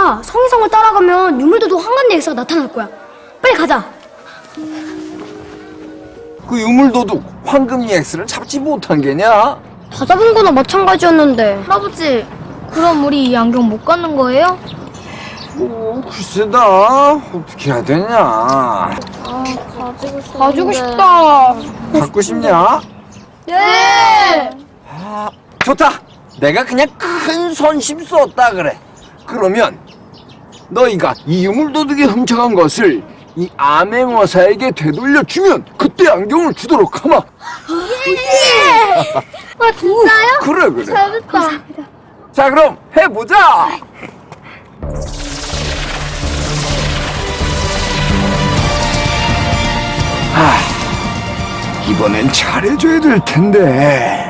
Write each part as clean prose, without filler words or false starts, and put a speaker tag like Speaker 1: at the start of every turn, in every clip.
Speaker 1: 우리가 성의성을 따라가면 유물도둑 황간의 역사가 나타날 거야. 빨리 가자.
Speaker 2: 그 유물도둑 황금이 X를 잡지 못한 게냐?
Speaker 1: 다 잡은 거나 마찬가지였는데.
Speaker 3: 할아버지, 그럼 우리 이 안경 못 갖는 거예요?
Speaker 2: 글쎄다. 어떻게 해야 되냐?
Speaker 3: 가지고 싶다.
Speaker 2: 갖고 싶냐?
Speaker 3: 네.
Speaker 2: 좋다. 내가 그냥 큰 선심 썼다 그래. 그러면 너희가 이 유물도둑이 훔쳐간 것을 이 암행어사에게 되돌려주면 그때 안경을 주도록 하마.
Speaker 3: 아, 진짜요?
Speaker 2: 그래.
Speaker 3: 잘했다.
Speaker 2: 자, 그럼 해보자. 이번엔 잘해줘야 될 텐데.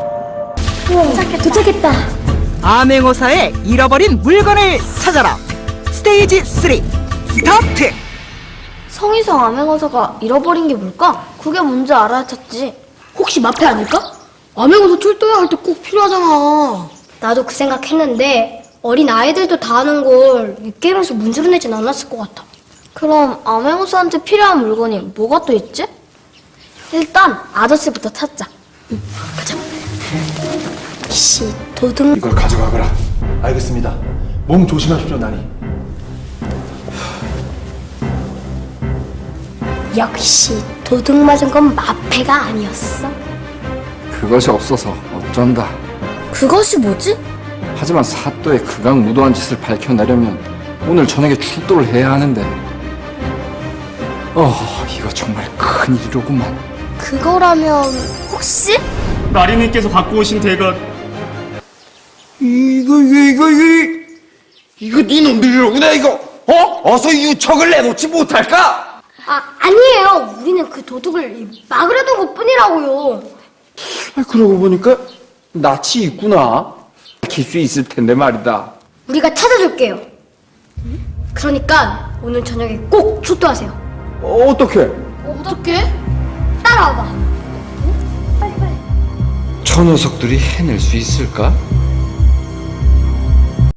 Speaker 1: 도착했다.
Speaker 4: 암행어사의 잃어버린 물건을 찾아라. 스테이지 3 스타트.
Speaker 3: 성희성 암행어사가 잃어버린 게 뭘까? 그게 뭔지 알아야 찾지.
Speaker 1: 혹시 마패 아닐까? 암행어사 출동해야 할 때 꼭 필요하잖아. 나도 그 생각했는데 어린 아이들도 다 아는 걸 이 게임에서 문제로 내진 않았을 것 같아.
Speaker 3: 그럼 암행어사한테 필요한 물건이 뭐가 또 있지?
Speaker 1: 일단 아저씨부터 찾자. 가자. 씨, 도둑.
Speaker 5: 이걸 가져가거라. 알겠습니다. 몸 조심하십시오, 나니.
Speaker 1: 역시 도둑 맞은 건 마패가 아니었어.
Speaker 2: 그것이 없어서 어쩐다.
Speaker 3: 그것이 뭐지?
Speaker 2: 하지만 사또의 극악 무도한 짓을 밝혀내려면 오늘 저녁에 출도를 해야 하는데. 이거 정말 큰일이로구만.
Speaker 3: 그거라면 혹시?
Speaker 6: 나리님께서 갖고 오신 대가
Speaker 2: 이거 네 놈들이로구나 이거. 어서 유척을 내놓지 못할까?
Speaker 1: 아니에요. 우리는 그 도둑을 막으려던 것뿐이라고요.
Speaker 2: 그러고 보니까 낯이 있구나. 밝힐 수 있을 텐데 말이다.
Speaker 1: 우리가 찾아줄게요. 그러니까 오늘 저녁에 꼭 출두하세요.
Speaker 2: 어떻게?
Speaker 3: 어떻게?
Speaker 1: 따라와봐.
Speaker 2: 저 녀석들이 해낼 수 있을까?